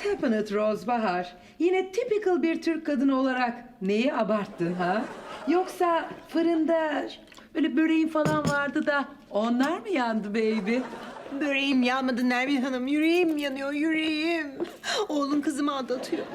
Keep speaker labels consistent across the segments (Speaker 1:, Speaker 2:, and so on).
Speaker 1: What happened Rose Bahar? Yine typical bir Türk kadını olarak neyi abarttın ha? Yoksa fırında böyle böreğin falan vardı da onlar mı yandı baby?
Speaker 2: Böreğim yanmadı Nermin Hanım. Yüreğim yanıyor, yüreğim. Oğlum kızımı aldatıyor.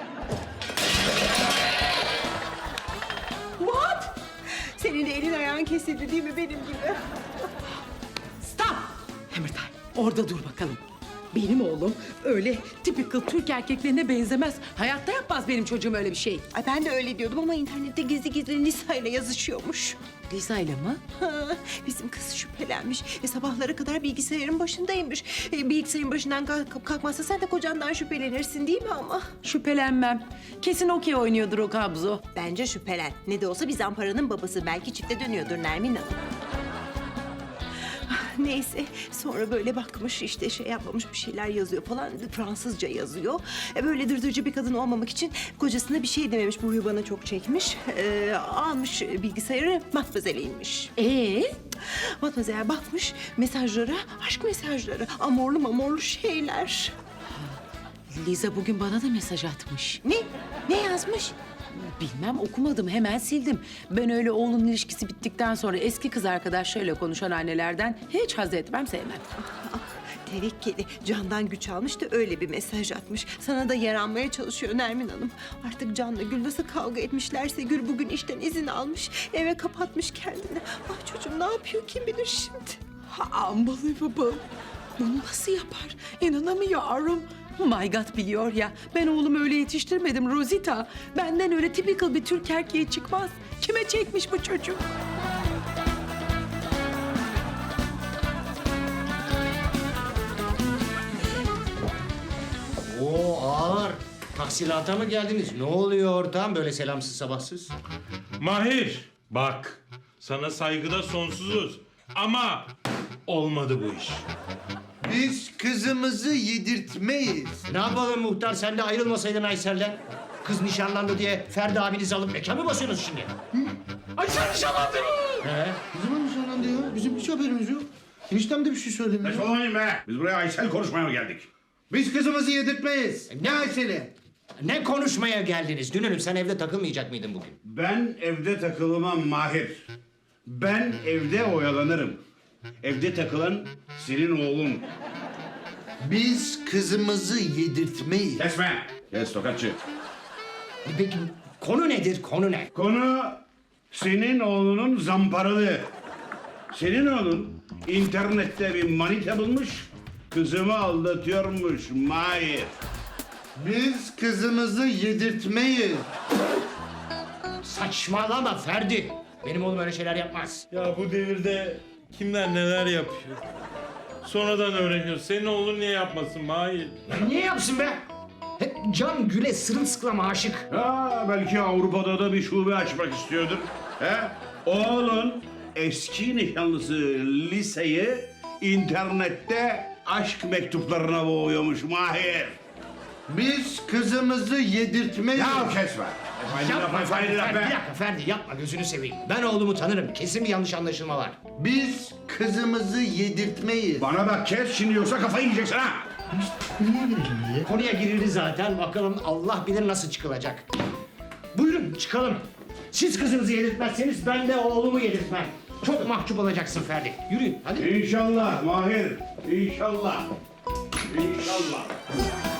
Speaker 1: What?
Speaker 2: Senin de elin ayağın kesildi değil mi benim gibi?
Speaker 1: Stop! Hammertime, orada dur bakalım. Benim oğlum öyle typical Türk erkeklerine benzemez. Hayatta yapmaz benim çocuğum öyle bir şey.
Speaker 2: Ay ben de öyle diyordum ama internette gizli gizli Nisa ile yazışıyormuş.
Speaker 1: Lisa ile mi?
Speaker 2: Ha, bizim kız şüphelenmiş ve sabahlara kadar bilgisayarın başındaymış. Bilgisayarın başından kalkmazsa sen de kocandan şüphelenirsin değil mi ama?
Speaker 1: Şüphelenmem. Kesin okey oynuyordur o kabzo.
Speaker 2: Bence şüphelen. Ne de olsa bir zamparanın babası. Belki çifte dönüyordur Nermin Hanım. Ah, neyse sonra böyle bakmış işte şey yapmamış bir şeyler yazıyor falan. Fransızca yazıyor. Böyle dırdırcı bir kadın olmamak için kocasına bir şey dememiş. Bu huyu bana çok çekmiş. Almış bilgisayarı Matmazel'e inmiş. Matmazel bakmış mesajlara, aşk mesajları. Amorlu mamorlu şeyler.
Speaker 1: Liza bugün bana da mesaj atmış.
Speaker 2: Ne? Ne yazmış?
Speaker 1: Bilmem okumadım hemen sildim. Ben öyle oğlun ilişkisi bittikten sonra eski kız arkadaşlarıyla konuşan annelerden hiç haz etmem sevmem.
Speaker 2: Ah, tevekkeli candan güç almış da öyle bir mesaj atmış. Sana da yaranmaya çalışıyor Nermin Hanım. Artık Can'la Gül nasıl kavga etmişlerse Gül bugün işten izin almış. Eve kapatmış kendini. Ah çocuğum ne yapıyor kim bilir şimdi.
Speaker 1: Unbelievable. Bunu nasıl yapar? İnanamıyorum. My God biliyor ya. Ben oğlumu öyle yetiştirmedim Rosita. Benden öyle typical bir Türk erkeği çıkmaz. Kime çekmiş bu çocuk?
Speaker 3: Oo ağır. Tahsilata mı geldiniz? Ne oluyor ortağım böyle selamsız sabahsız?
Speaker 4: Mahir, bak sana saygıda sonsuzuz ama olmadı bu iş.
Speaker 5: Biz kızımızı yedirtmeyiz.
Speaker 3: Ne yapalım muhtar sen de ayrılmasaydın Aysel'den? Kız nişanlandı diye Ferdi abinizi alıp mekan mı basıyorsunuz şimdi?
Speaker 4: Aysel nişanlandı mı?
Speaker 3: He?
Speaker 5: Ne zaman nişanlandı ya? Bizim hiç haberimiz yok. Eniştem de bir şey söylemiyor.
Speaker 6: Saçmalamayın be. Biz buraya Aysel konuşmaya mı geldik?
Speaker 5: Biz kızımızı yedirtmeyiz. Ne Aysel'i?
Speaker 3: Ne konuşmaya geldiniz? Dünürüm sen evde takılmayacak mıydın bugün?
Speaker 6: Ben evde takılmam Mahir. Ben evde oyalanırım. Evde takılan senin oğlun.
Speaker 5: Biz kızımızı yedirtmeyiz.
Speaker 6: Kesme. Kes tokatçı.
Speaker 3: Peki konu nedir? Konu ne?
Speaker 6: Konu senin oğlunun zamparalığı. Senin oğlun internette bir manita bulmuş, kızımı aldatıyormuş Mahir.
Speaker 5: Biz kızımızı yedirtmeyiz.
Speaker 3: Saçmalama Ferdi. Benim oğlum öyle şeyler yapmaz.
Speaker 4: Ya bu devirde kimler neler yapıyor? Sonradan öğreniyor. Senin oğlun niye yapmasın Mahir?
Speaker 3: Ya niye yapsın be? Hep Can Gül'e sırılsıklam aşık.
Speaker 6: Ha, belki Avrupa'da da bir şube açmak istiyordur. He? Oğlun eski nişanlısı Lise'yi internette aşk mektuplarına boğuyormuş Mahir.
Speaker 5: Biz kızımızı yedirtmeyiz.
Speaker 6: Ya kesme.
Speaker 3: Yapma Ferdi, bir dakika Ferdi yapma gözünü seveyim. Ben oğlumu tanırım. Kesin bir yanlış anlaşılma var.
Speaker 5: Biz kızımızı yedirtmeyiz.
Speaker 6: Bana bak kes şimdi yoksa kafayı yiyeceksin ha.
Speaker 3: Konuya girildi zaten. Bakalım Allah bilir nasıl çıkılacak. Buyurun çıkalım. Siz kızınızı yedirtmezseniz ben de oğlumu yedirtmem. Çok mahcup olacaksın Ferdi. Yürüyün hadi.
Speaker 6: İnşallah Mahir. İnşallah. İnşallah.